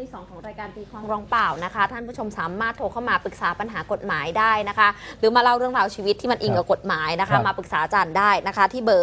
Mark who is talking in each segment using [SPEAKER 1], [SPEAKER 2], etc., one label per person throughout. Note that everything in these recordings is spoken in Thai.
[SPEAKER 1] ที่2ของรายการตีความร้องเปล่านะคะท่านผู้ชมสามารถโทรเข้ามาปรึกษาปัญหากฎหมายได้นะคะหรือมาเล่าเรื่องราวชีวิตที่มันอิงกับกฎหมายนะคะมาปรึกษาอาจารย์ได้นะคะที่เบอร์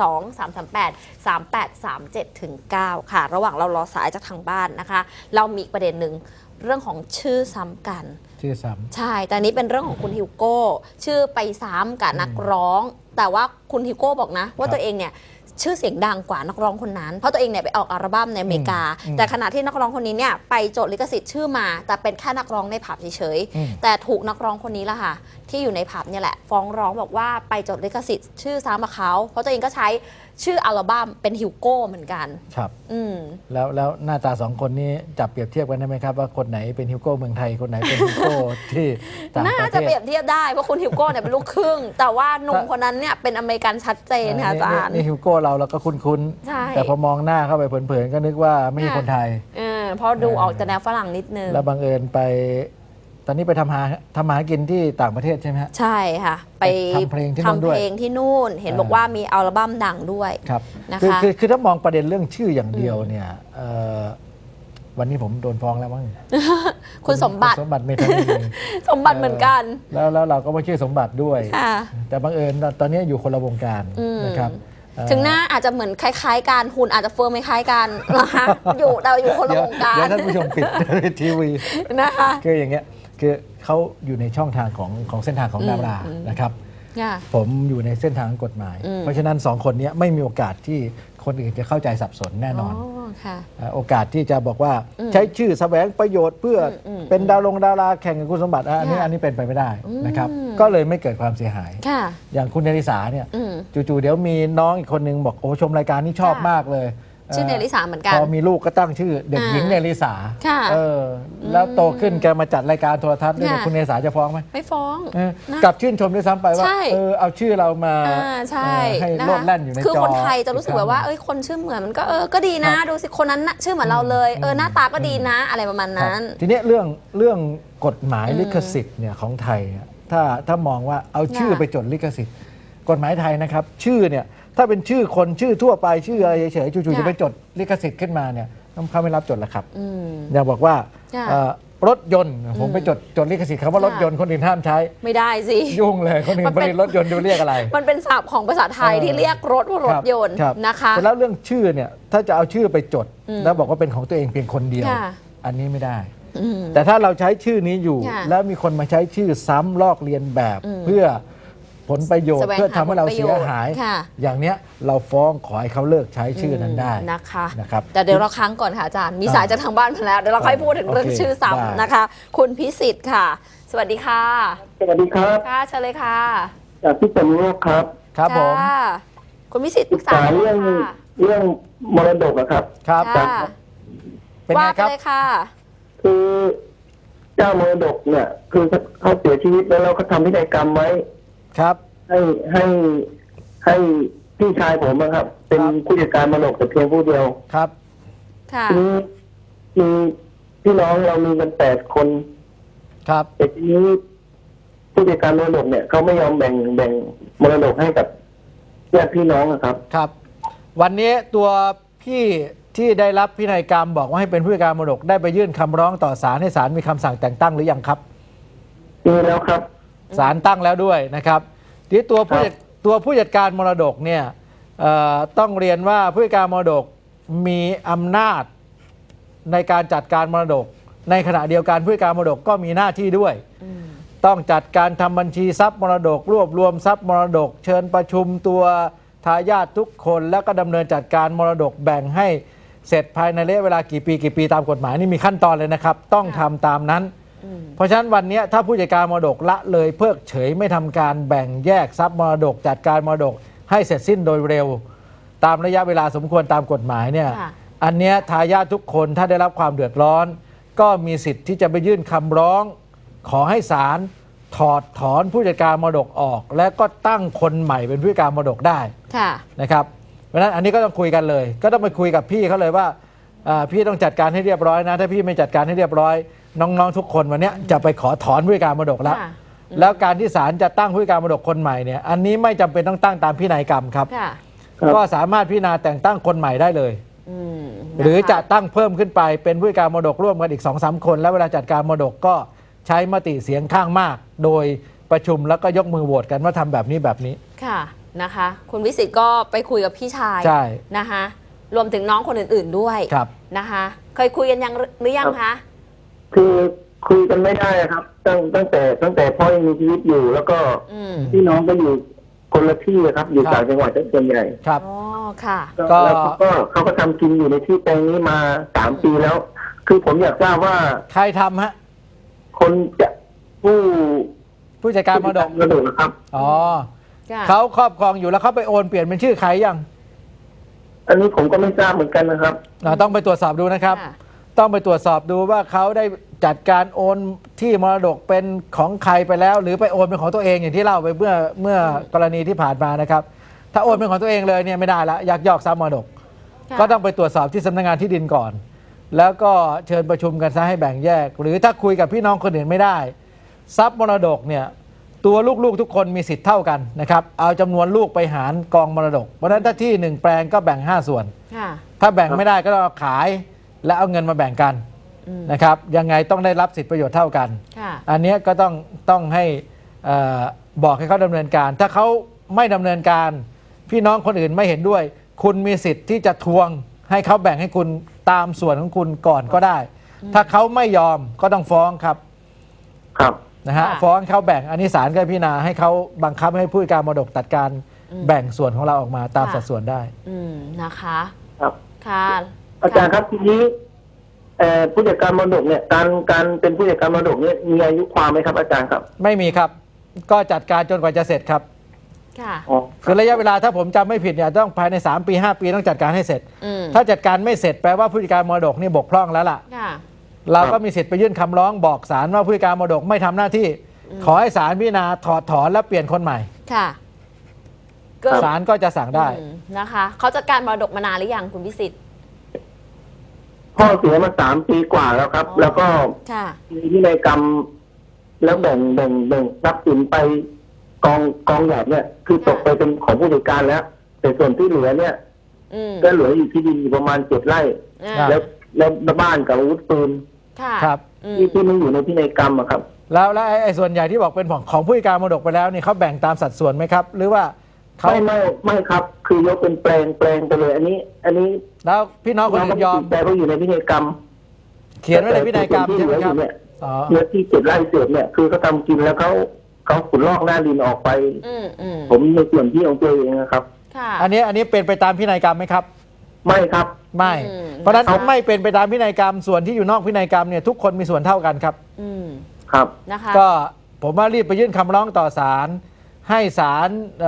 [SPEAKER 1] 02-338-3837-9 ค่ะระหว่างเรารอสายจากทางบ้านนะคะเรามีประเด็นหนึ่งเรื่องของชื่อซ้ำกัน
[SPEAKER 2] ชื่อซ้ำ
[SPEAKER 1] ใช่แต่นี้เป็นเรื่องของคุณฮิวโก้ชื่อไปซ้ำกับนักร้องแต่ว่าคุณฮิวโก้บอกนะว่าตัวเองเนี่ยชื่อเสียงดังกว่านักร้องคนนั้นเพราะตัวเองเนี่ยไปออกอัลบั้มในอเมริกาแต่ขณะที่นักร้องคนนี้เนี่ยไปจดลิขสิทธิ์ชื่อมาแต่เป็นแค่นักร้องในผับเฉยๆแต่ถูกนักร้องคนนี้ละค่ะที่อยู่ในผับเนี่ยแหละฟ้องร้องบอกว่าไปจดลิขสิทธิ์ชื่อซ้ำกับเขาเพราะตัวเองก็ใช้ชื่ออัลบั้มเป็นฮิวโก้เหมือนกัน
[SPEAKER 2] ครับแล้วหน้าตา2คนนี้จับเปรียบเทียบกันได้ไหมครับว่าคนไหนเป็นฮิวโก้เมืองไทยคนไหนเป็นฮิวโก้ที่ต่างประเทศ
[SPEAKER 1] น่าจะเปรียบเทียบได้เพราะคุณฮิวโก้เนี่ยเป็นลูกครึ่งแต่ว่าหนุ่มคนนั้นเนี่ยเป็นอเมริกันชัดเจนค่ะอาจารย์
[SPEAKER 2] นี่ฮิวโก้เราก็คุ้นๆแต่พอมองหน้าเข้าไปเผินๆก็นึกว่าไม่ใช่คนไทย
[SPEAKER 1] เพราะดูออกจะแนวฝรั่งนิดนึง
[SPEAKER 2] แล้วบังเอิญไปตอนนี้ไปทำมาหากินที่ต่างประเทศใช่ไหมฮะ
[SPEAKER 1] ใช่ค่ะไป
[SPEAKER 2] ทำเพลงที่นู่นด้วย
[SPEAKER 1] เห็นบอกว่ามีอัลบั้มดังด้วย
[SPEAKER 2] ครับ
[SPEAKER 1] นะคะ
[SPEAKER 2] คือถ้ามองประเด็นเรื่องชื่ออย่างเดียวเนี่ยวันนี้ผมโดนฟ้องแล้วมั้ง
[SPEAKER 1] คุณสมบัติ
[SPEAKER 2] เมธานี
[SPEAKER 1] สมบัติเหมือนกัน
[SPEAKER 2] แล้วเราก็ไม่ชื่อสมบัติด้วยแต่บังเอิญตอนนี้อยู่คนละวงการนะครับ
[SPEAKER 1] ถึงหน้าอาจจะเหมือนคล้ายๆกันหุ่นอาจจะเฟิร์มคล้ายกันนะคะอยู่คนละวงการ
[SPEAKER 2] เดี๋ยวท่านผู้ชมปิดทีวี
[SPEAKER 1] นะคะ
[SPEAKER 2] คืออย่างเงี้ยคือเขาอยู่ในช่องทางของเส้นทางของดารานะครับผมอยู่ในเส้นทางกฎหมายเพราะฉะนั้น2คนนี้ไม่มีโอกาสที่คนอื่นจะเข้าใจสับสนแน่นอนโอกาสที่จะบอกว่าใช้ชื่อแสวงประโยชน์เพื่อเป็นดาราแข่งกับคุณสมบัติอันนี้เป็นไปไม่ได้นะครับก็เลยไม่เกิดความเสียหายอย่างคุณเนริสาเนี่ยจู่ๆเดี๋ยวมีน้องอีกคนนึงบอกโอ้ชมรายการนี้ชอบมากเลย
[SPEAKER 1] ชื่อเนริสาเหมือนกัน
[SPEAKER 2] พอมีลูกก็ตั้งชื่อเด็กหญิงเนริสาแล้วโตขึ้นแกมาจัดรายการโทรทัศน์ด้วยคุณเนริสาจะฟ้องไหม
[SPEAKER 1] ไม่ฟ้อง
[SPEAKER 2] กลับชื่นชมด้วยซ้ำไปว่าเอาชื่อเรามาให้โลดแล่นอยู่ในจอ
[SPEAKER 1] คือคนไทยจะรู้สึกแบบว่าคนชื่อเหมือนมันก็ดีนะดูสิคนนั้นชื่อเหมือนเราเลยหน้าตาก็ดีนะอะไรประมาณนั้น
[SPEAKER 2] ทีนี้เรื่องกฎหมายลิขสิทธิ์เนี่ยของไทยถ้ามองว่าเอาชื่อไปจดลิขสิทธิ์กฎหมายไทยนะครับชื่อเนี่ยถ้าเป็นชื่อคนชื่อทั่วไปชื่ออะไรเฉยๆจู่ๆจะไปจดลิขสิทธิ์ขึ้นมาเนี่ยเขาไม่รับจดแล้วครับอย่างบอกว่ารถยนต์ผมไปจดลิขสิทธิ์คำว่ารถยนต์คนอื่นห้ามใช้
[SPEAKER 1] ไม่ได้สิ
[SPEAKER 2] ยุ่งเลยคนอื่นผลิตรถยนต์จะเรียกอะไร
[SPEAKER 1] มันเป็นศัพท์ของภาษาไทยที่เรียกรถว่ารถยนต์นะคะ
[SPEAKER 2] แล้วเรื่องชื่อเนี่ยถ้าจะเอาชื่อไปจดแล้วบอกว่าเป็นของตัวเองเพียงคนเดียวอันนี้ไม่ได้แต่ถ้าเราใช้ชื่อนี้อยู่แล้วมีคนมาใช้ชื่อซ้ำลอกเลียนแบบเพื่อผลประโยชน์เพื่อทำให้เราเสียหายอย่างเนี้ยเราฟ้องขอให้เขาเลิกใช้ชื่อนั้นได้
[SPEAKER 1] นะครับแต่เดี๋ยวเราค้างก่อนค่ะอาจารย์มีสายจากทางบ้านมาแล้วเดี๋ยวเราค่อยพูดถึงเรื่องชื่อซ้ำนะคะคุณพิสิทธิ์ค่ะสวัสดีค่ะ
[SPEAKER 3] สวัสดีครับ
[SPEAKER 1] ค่ะเชิญเลยค่ะ
[SPEAKER 3] จากพี่เป็นโรคครับ
[SPEAKER 2] ครับผม
[SPEAKER 1] คุณพิสิทธิ์ปรึกษา
[SPEAKER 3] เรื่องมรดกครับ
[SPEAKER 2] ครับ
[SPEAKER 1] เป็นไงครับเลยค่ะ
[SPEAKER 3] คือเจ้ามรดกเนี่ยคือเขาเสียชีวิตแล้วเราก็ทำพินัยกรรมไว้
[SPEAKER 2] ครับ
[SPEAKER 3] ให้พี่ชายผมนะครับเป็นผู้จัดการมรดกแต่เพียงผู้เดียว
[SPEAKER 2] ครับ
[SPEAKER 1] ค่ะ
[SPEAKER 3] มีพี่น้องเรามีกัน8 คน
[SPEAKER 2] ครับ
[SPEAKER 3] แต่ทีนี้ผู้จัดการมรดกเนี่ยเขาไม่ยอมแบ่งมรดกให้กับญาติพี่น้องครับ
[SPEAKER 2] ครับวันนี้ตัวพี่ที่ได้รับพินัยกรรมบอกว่าให้เป็นผู้จัดการมรดกได้ไปยื่นคำร้องต่อศาลให้ศาลมีคำสั่งแต่งตั้งหรือยังครับ
[SPEAKER 3] มีแล้วครับ
[SPEAKER 2] ศาลตั้งแล้วด้วยนะครับที่ตัวผู้จัดการมรดกเนี่ยต้องเรียนว่าผู้จัดการมรดกมีอำนาจในการจัดการมรดกในขณะเดียวกันผู้จัดการมรดกก็มีหน้าที่ด้วยต้องจัดการทำบัญชีทรัพย์มรดกรวบรวมทรัพย์มรดกเชิญประชุมตัวทายาททุกคนแล้วก็ดำเนินจัดการมรดกแบ่งให้เสร็จภายในระยะเวลากี่ปีตามกฎหมายนี่มีขั้นตอนเลยนะครับต้องทำตามนั้นเพราะฉะนั้นวันนี้ถ้าผู้จัดการมรดกละเลยเพิกเฉยไม่ทำการแบ่งแยกทรัพย์มรดกจัดการมรดกให้เสร็จสิ้นโดยเร็วตามระยะเวลาสมควรตามกฎหมายเนี่ยอันนี้ทายาททุกคนถ้าได้รับความเดือดร้อนก็มีสิทธิ์ที่จะไปยื่นคำร้องขอให้ศาลถอดถอนผู้จัดการมรดกออกและก็ตั้งคนใหม่เป็นผู้จัดการมรดกได้นะครับเพราะฉะนั้นอันนี้ก็ต้องคุยกันเลยก็ต้องไปคุยกับพี่เขาเลยว่าพี่ต้องจัดการให้เรียบร้อยนะถ้าพี่ไม่จัดการให้เรียบร้อยน้องๆทุกคนวันนี้จะไปขอถอนผู้จัดการมรดกแล้วการที่ศาลจะตั้งผู้จัดการมรดกคนใหม่เนี่ยอันนี้ไม่จำเป็นต้องตั้งตามพินัยกรรมครับก็สามารถพิจารณาแต่งตั้งคนใหม่ได้เลยหรือจะตั้งเพิ่มขึ้นไปเป็นผู้จัดการมรดกร่วมกันอีก 2-3 คน แล้วเวลาจัดการมรดกก็ใช้มติเสียงข้างมาก โดยประชุมแล้วก็ยกมือโหวตกันว่าทำแบบนี้แบบนี้
[SPEAKER 1] ค่ะนะคะคุณวิสิทธิ์ก็ไปคุยกับพี่ชาย
[SPEAKER 2] ใช่
[SPEAKER 1] นะคะรวมถึงน้องคนอื่นๆด้วยนะคะเคยคุยกันยังหรือยังคะ
[SPEAKER 3] คือคุยกันไม่ได้ครับตั้งแต่พ่อยังมีชีวิตอยู่ แล้วก็พี่น้องก็อยู่คนละที่ครับอยู่ต่างจังหวัดส่วนใหญ่
[SPEAKER 2] ครับ
[SPEAKER 1] อ๋อค่ะ
[SPEAKER 3] แล้วเขาก็ทำกินอยู่ในที่แปลงนี้มา3 ปีแล้ว คือผมอยากทราบว่า
[SPEAKER 2] ใครทำฮะ
[SPEAKER 3] คนจะ
[SPEAKER 2] ผู้จัดการมรดก
[SPEAKER 3] นะครับ
[SPEAKER 2] อ๋อเขาครอบครองอยู่แล้วเขาไปโอนเปลี่ยนเป็นชื่อใครยัง
[SPEAKER 3] อันนี้ผมก็ไม่ทราบเหมือนกันนะครับ
[SPEAKER 2] ต้องไปตรวจสอบดูนะครับต้องไปตรวจสอบดูว่าเขาได้จัดการโอนที่มรดกเป็นของใครไปแล้วหรือไปโอนเป็นของตัวเองอย่างที่เล่าไปเมื่อกรณีที่ผ่านมานะครับถ้าโอนเป็นของตัวเองเลยเนี่ยไม่ได้ละยักยอกทรัพย์มรดกก็ต้องไปตรวจสอบที่สำนักงานที่ดินก่อนแล้วก็เชิญประชุมกันซะให้แบ่งแยกหรือถ้าคุยกับพี่น้องคนอื่นไม่ได้ทรัพย์มรดกเนี่ยตัวลูกๆทุกคนมีสิทธิ์เท่ากันนะครับเอาจำนวนลูกไปหารกองมรดกเพราะฉะนั้นถ้าที่1 แปลงก็แบ่ง5 ส่วนถ้าแบ่งไม่ได้ก็ต้องขายและเอาเงินมาแบ่งกันนะครับยังไงต้องได้รับสิทธิประโยชน์เท่ากันอันนี้ก็ต้องให้บอกให้เขาดำเนินการถ้าเขาไม่ดำเนินการพี่น้องคนอื่นไม่เห็นด้วยคุณมีสิทธิ์ที่จะทวงให้เขาแบ่งให้คุณตามส่วนของคุณก่อนก็ได้ถ้าเขาไม่ยอมก็ต้องฟ้องครับนะฮะฟ้องเขาแบ่งอันนี้ศาลก็พิจารณาให้เขาบังคับให้ผู้จัดการมรดกตัดการแบ่งส่วนของเราออกมาตามสัดส่วนได้
[SPEAKER 1] นะคะ
[SPEAKER 3] ครับ
[SPEAKER 1] ค่ะ
[SPEAKER 3] อาจารย์ครับทีนี้ผู้จัดการมรดกเนี่ยการเป็นผู้จัดการมรดกเนี่ยมีอายุความไหมครับอาจารย์ครับ
[SPEAKER 2] ไม่มีครับก็จัดการจนกว่าจะเสร็จครับ
[SPEAKER 1] ค่ะ
[SPEAKER 2] คือระยะเวลาถ้าผมจำไม่ผิดเนี่ยต้องภายใน3 ปี 5 ปีต้องจัดการให้เสร็จถ้าจัดการไม่เสร็จแปลว่าผู้จัดการมรดกนี่บกพร่องแล้วล่ะเราก็มีสิทธิ์ไปยื่นคำร้องบอกศาลว่าผู้จัดการมรดกไม่ทำหน้าที่ขอให้ศาลพิจารณาถอดถอนและเปลี่ยนคนใหม่
[SPEAKER 1] ค่ะ
[SPEAKER 2] ศาลก็จะสั่งได้
[SPEAKER 1] นะคะเขาจัดการมรดกมานานหรือยังคุณพิสิทธิ์
[SPEAKER 3] พ่อเสียมา3 ปีกว่าแล้วครับแล้วก็มีพินัยกรรมแล้วแบ่งทรัพย์สินไปกองใหญ่เนี่ยคือตกไปเป็นของผู้จัดการแล้วแต่ส่วนที่เหลือเนี่ยก็เหลืออยู่ที่ดินประมาณ7 ไร่แล้วบ้านกับอาวุธปืน
[SPEAKER 2] ครับ
[SPEAKER 3] ที่มันอยู่ในพินัยกรรมครับ
[SPEAKER 2] แล้วไอ้ส่วนใหญ่ที่บอกเป็นของผู้จัดการมรดกไปแล้วนี่เขาแบ่งตามสัดส่วนไหมครับหรือว่า
[SPEAKER 3] เขาไม่ครับคือยกเป็นแปลงไปเลยอันนี้
[SPEAKER 2] แล้วพี่น้องคนอื่นยอม
[SPEAKER 3] แต่เขาอยู่ในพินัยกรรม
[SPEAKER 2] เขียนไว้ในพินัยกรรมใช่ไหมครับ
[SPEAKER 3] เนื้อที่7 ไร่เศษเนี่ยคือเขาทำกินแล้วเขาขุดลอกหน้าดินออกไปผมในส่วนที่ของตัวเองนะครับ
[SPEAKER 2] อันนี้เป็นไปตามพินัยกรรมไหมครับ
[SPEAKER 3] ไม่ครับ
[SPEAKER 2] ไม่เพราะฉะนั้นไม่เป็นไปตามพินัยกรรมส่วนที่อยู่นอกพินัยกรรมเนี่ยทุกคนมีส่วนเท่ากันครับ
[SPEAKER 3] ครับ
[SPEAKER 1] นะคะ
[SPEAKER 2] ก็ผมว่ารีบไปยื่นคำร้องต่อศาลให้ศาล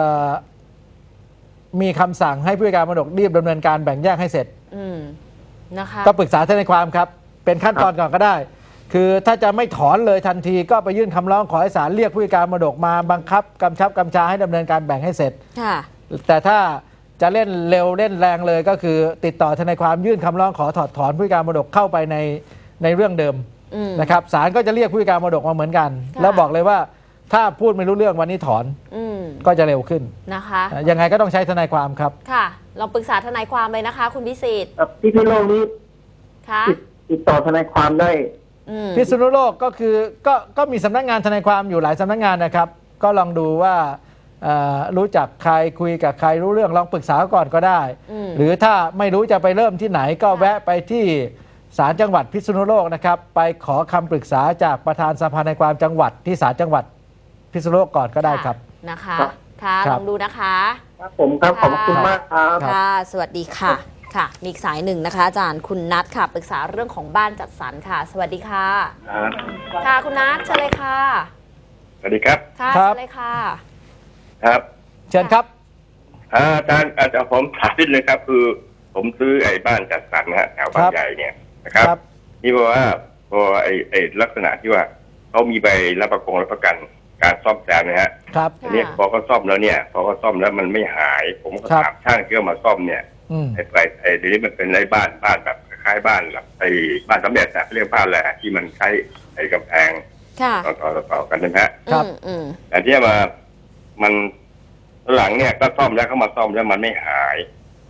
[SPEAKER 2] มีคำสั่งให้ผู้จัดการมรดกรีบดำเนินการแบ่งแยกให้เสร็จ
[SPEAKER 1] นะคะ
[SPEAKER 2] ก็ปรึกษาทนายความครับเป็นขั้นตอนก่อนก็ได้คือถ้าจะไม่ถอนเลยทันทีก็ไปยื่นคำร้องขอให้ศาลเรียกผู้จัดการมรดกมาบังคับกำชับกำชาให้ดำเนินการแบ่งให้เสร็จแต่ถ้าจะเล่นเร็วเล่นแรงเลยก็คือติดต่อทนายความยื่นคำร้องขอถอดถอนผู้จัดการมรดกเข้าไปในเรื่องเดิมนะครับศาลก็จะเรียกผู้จัดการมรดกมาเหมือนกันแล้วบอกเลยว่าถ้าพูดไม่รู้เรื่องวันนี้ถอนก็จะเร็วขึ้น
[SPEAKER 1] นะคะ
[SPEAKER 2] ยังไงก็ต้องใช้ทนายความครับ
[SPEAKER 1] ค่ะลองปรึกษาทนายความเลยนะคะคุณพิสิทธิ์
[SPEAKER 3] ที่พิโลกนี้ติดต่อทนายความได้
[SPEAKER 2] พิษณุโลกก็คือก็มีสำนักงานทนายความอยู่หลายสำนักงานนะครับก็ลองดูว่ารู้จักใครคุยกับใครรู้เรื่องลองปรึกษาก่อนก็ได้หรือถ้าไม่รู้จะไปเริ่มที่ไหนก็แวะไปที่ศาลจังหวัดพิษณุโลกนะครับไปขอคำปรึกษาจากประธานสภาทนายความจังหวัดที่ศาลจังหวัดพิษณุโลกก่อนก็ได้ครับ
[SPEAKER 1] นะคะค่ะลองดูนะคะ
[SPEAKER 3] ครับผมครับขอบคุณมากครับ
[SPEAKER 1] ค่ะสวัสดีค่ะค่ะมีอีกสายหนึ่งนะคะอาจารย์คุณนัทค่ะปรึกษาเรื่องของบ้านจัดสรรค่ะสวัสดีค่ะค่ะคุณนัทเชิญเลยค่ะ
[SPEAKER 4] สวัสดีครับ
[SPEAKER 1] ค่ะเชิญเลยค่ะ
[SPEAKER 4] ครับ
[SPEAKER 2] เชิญครับ
[SPEAKER 4] อาจารย์ผมถามนิดนึงครับคือผมซื้อไอ้บ้านจัดสรรนะฮะแถวบางใหญ่เนี่ยนะครับนี่บอกว่าพอไอ้ลักษณะที่ว่าเขามีใบรับประกันการซ่อมแซมนะฮะ
[SPEAKER 2] ครับ
[SPEAKER 4] อันนี้พอเขาซ่อมแล้วเนี่ยพอเขาซ่อมแล้วมันไม่หายผมก็ถามช่างที่เขามาซ่อมเนี่ยไอ้เดี๋ยวนี้มันเป็นไอ้บ้านแบบคล้ายบ้านแบบไอ้บ้านสำเร็จนะเรียกบ้านแหละที่มันใช้ไอ้กำแพงต่อกันนะฮะ
[SPEAKER 2] ครับ
[SPEAKER 4] แต่ที่มันหลังเนี่ยก็ซ่อมแล้วเขามาซ่อมแล้วมันไม่หายใช่ไหม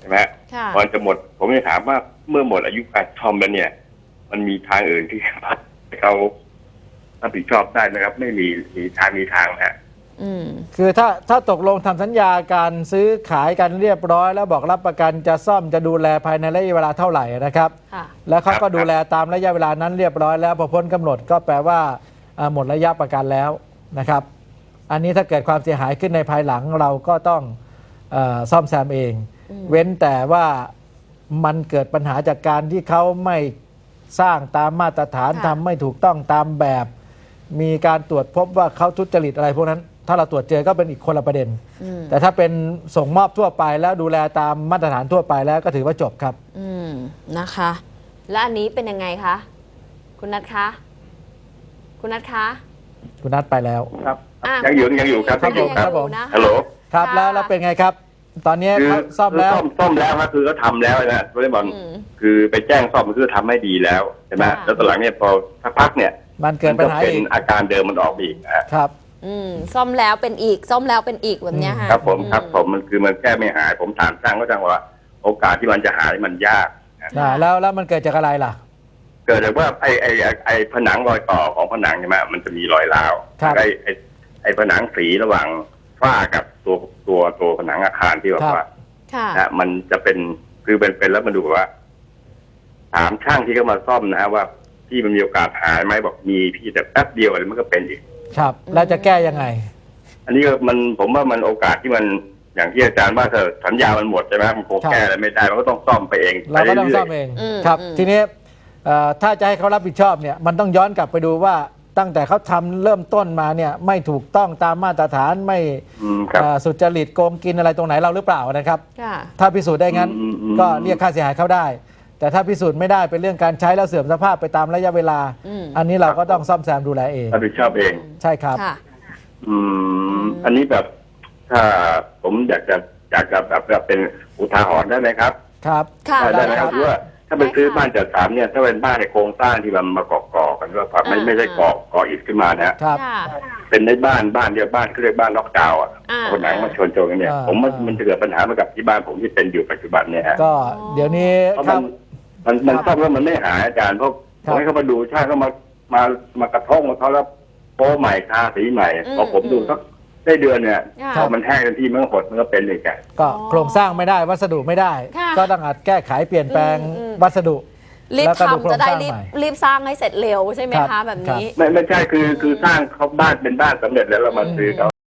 [SPEAKER 1] ค่ะ
[SPEAKER 4] ก่อนจะหมด ผมจะถามว่าเมื่อหมดอายุการซ่อมแล้วเนี่ย มันมีทางอื่นที่เขารับผิดชอบได้ไหมครับ ไม่มีทางนะฮะ
[SPEAKER 2] คือถ้าตกลงทำสัญญาการซื้อขายกันเรียบร้อยแล้วบอกรับประกันจะซ่อมจะดูแลภายในระยะเวลาเท่าไหร่นะครับ
[SPEAKER 1] ค่ะ
[SPEAKER 2] แล้วเขาก็
[SPEAKER 4] ครับ
[SPEAKER 2] ดูแลตามระยะเวลานั้นเรียบร้อยแล้วพอพ้นกำหนดก็แปลว่าหมดระยะประกันแล้วนะครับ อันนี้ถ้าเกิดความเสียหายขึ้นในภายหลังเราก็ต้องซ่อมแซมเอง เว้นแต่ว่ามันเกิดปัญหาจากการที่เขาไม่สร้างตามมาตรฐาน
[SPEAKER 1] ค่ะ
[SPEAKER 2] ทำไม่ถูกต้องตามแบบ มีการตรวจพบว่าเขาทุจริตอะไรพวกนั้น ถ้าเราตรวจเจอก็เป็นอีกคนละประเด็น แต่ถ้าเป็นส่งมอบทั่วไปแล้วดูแลตามมาตรฐานทั่วไปแล้วก็ถือว่าจบครับ
[SPEAKER 1] นะคะ และอันนี้เป็นยังไงคะ คุณนัทคะ คุณนัทคะ
[SPEAKER 2] คุณนัทไปแล้ว
[SPEAKER 3] ครับ
[SPEAKER 1] อ่ะ
[SPEAKER 4] ยังอยู่ครับ
[SPEAKER 2] ครับ
[SPEAKER 4] ยังอยู่ครับ
[SPEAKER 2] ผม
[SPEAKER 1] นะคะ
[SPEAKER 4] ฮัลโหล
[SPEAKER 2] ครับ
[SPEAKER 1] ค่ะ
[SPEAKER 2] แล้วเป็นไงครับ ตอนนี้
[SPEAKER 4] คือ
[SPEAKER 2] เขาซ่อมแล้ว
[SPEAKER 4] ซ่อมแล้วครับคือเขาทำแล้วนะวอลเลย์บอล คือไปแจ้งซ่อมมันคือทำให้ดีแล้วใช่ไหม
[SPEAKER 1] ค่ะ
[SPEAKER 4] แล้วตอนหลังเนี่ยพอสักพักเนี่ย
[SPEAKER 2] มันเกิดปัญหา
[SPEAKER 4] เป็น
[SPEAKER 2] อีก
[SPEAKER 4] อาการเดิมมันออกมาอีกนะฮะ
[SPEAKER 2] ครับ
[SPEAKER 1] ซ่อมแล้วเป็นอีก ซ่อมแล้วเป็นอีกแบบเนี้ยค่ะ
[SPEAKER 4] ครับผมมันคือมันแก้ไม่หาย ผมถามช่างก็ช่างว่า โอกาสที่มันจะหายมันยากนะ
[SPEAKER 2] แล้วมันเกิดจากอะไรล่ะ
[SPEAKER 4] เกิดจากว่าไอ้ผนังรอยต่อของผนังใช่ไหมมันจะมีรอยร้าว
[SPEAKER 2] ครับ
[SPEAKER 4] ไอ้ผนังสีระหว่างฝ้ากับตัวผนังอาคารที่แบบว่า
[SPEAKER 1] ค่ะ
[SPEAKER 4] นะมันจะเป็นคือเป็นแล้วมันดูว่า ถามช่างที่เขามาซ่อมนะฮะว่าพี่มันมีโอกาสหายไหมบอกมีพี่แต่แป๊บเดียวอะไรมันก็เป็นอีก
[SPEAKER 2] ครับแล้วจะแก้ยังไง
[SPEAKER 4] อันนี้ก็ผมว่ามันโอกาสที่มันอย่างที่อาจารย์ว่าเธอสัญญามันหมดใช่ไหมมันคง
[SPEAKER 2] ครับ
[SPEAKER 4] แก้อะไรไม่ได้มันก็ต้องซ่อมไปเอง
[SPEAKER 2] เราก็ต้อง
[SPEAKER 4] ไปรื่ยๆ
[SPEAKER 2] ซ่อมเองครับ ทีนี้ถ้าจะให้เขารับผิดชอบเนี่ยมันต้องย้อนกลับไปดูว่าตั้งแต่เขาทำเริ่มต้นมาเนี่ยไม่ถูกต้องตามมาตรฐานไม่
[SPEAKER 4] ครับ
[SPEAKER 2] สุจริตโกงกินอะไรตรงไหนเราหรือเปล่านะครับ
[SPEAKER 1] ค่ะ
[SPEAKER 2] ถ้าพิสูจน์ได้งั้น
[SPEAKER 4] อืม
[SPEAKER 2] ก็เรียกค่าเสียหายเขาได้ แต่ถ้าพิสูจน์ไม่ได้เป็นเรื่องการใช้แล้วเสื่อมสภาพไปตามระยะเวลา อันนี้เราก็ต้องซ่อมแซมดูแลเอง
[SPEAKER 4] รับผิดชอบเอง
[SPEAKER 2] ใช่ครับ
[SPEAKER 1] ค่ะ
[SPEAKER 4] อันนี้แบบถ้าผมอยากจะแบบเป็นอุทาหรณ์ได้ไหมครับ
[SPEAKER 2] ครับ
[SPEAKER 1] ค่ะ
[SPEAKER 4] ได้ไหมครับ
[SPEAKER 1] ได้ค่ะ
[SPEAKER 4] คือว่าถ้าไปซื้อบ้านจัดสรรเนี่ยถ้าเป็นบ้านในโครงสร้างที่มันมาก่อกันว่าผักไม่ใช่ก่ออิฐขึ้นมานะฮะ
[SPEAKER 2] ครับ
[SPEAKER 1] ค่ะ
[SPEAKER 4] เป็นในบ้านเดียวบ้านเขาเรียกบ้านล็อกดาวน์อ่ะ
[SPEAKER 1] อ่า
[SPEAKER 4] คนหนังมาชนกันเนี่ย
[SPEAKER 2] อ่า
[SPEAKER 4] ผมว่ามันจะเกิดปัญหาเหมือนกับที่บ้านผมที่เป็นอยู่ปัจจุบันเนี่ยฮะ
[SPEAKER 2] ก็เดี๋ยวนี้
[SPEAKER 4] เพราะ
[SPEAKER 2] ครับ
[SPEAKER 4] มันซ่อมแล้วมันไม่หายอาจารย์เพราะ
[SPEAKER 2] ค
[SPEAKER 4] ผ
[SPEAKER 2] รับ
[SPEAKER 4] มให้เขามาดูช่างเขามากระทงมาเขาแล้วโป้ใหม่ทาสีใหม่พอผมดูสักได้เดือนเนี่ย
[SPEAKER 1] ค่ะ
[SPEAKER 4] พอมันแห้งทันทีมันก็หดมันก็เป็นเลยกัน
[SPEAKER 2] ก็โครงสร้างไม่ได้วัสดุไม่ได้
[SPEAKER 1] ค่ะ
[SPEAKER 2] ก็ต้องอาจแก้ไขเปลี่ยนแปลงวัสดุ
[SPEAKER 1] รีบ
[SPEAKER 2] แล้วก็ดูโครง
[SPEAKER 1] ทำจะได้
[SPEAKER 2] สร้าง
[SPEAKER 1] รีบ
[SPEAKER 2] ใหม่
[SPEAKER 1] รีบสร้างให้เสร็จเร็วใช่ไหม
[SPEAKER 2] ครั
[SPEAKER 1] คะ
[SPEAKER 2] บ
[SPEAKER 1] แบบนี้
[SPEAKER 4] ไม่ใช่คือสร้างเขาบ้านเป็นบ้านสำเร็จแล้วเรามาซื้อเขา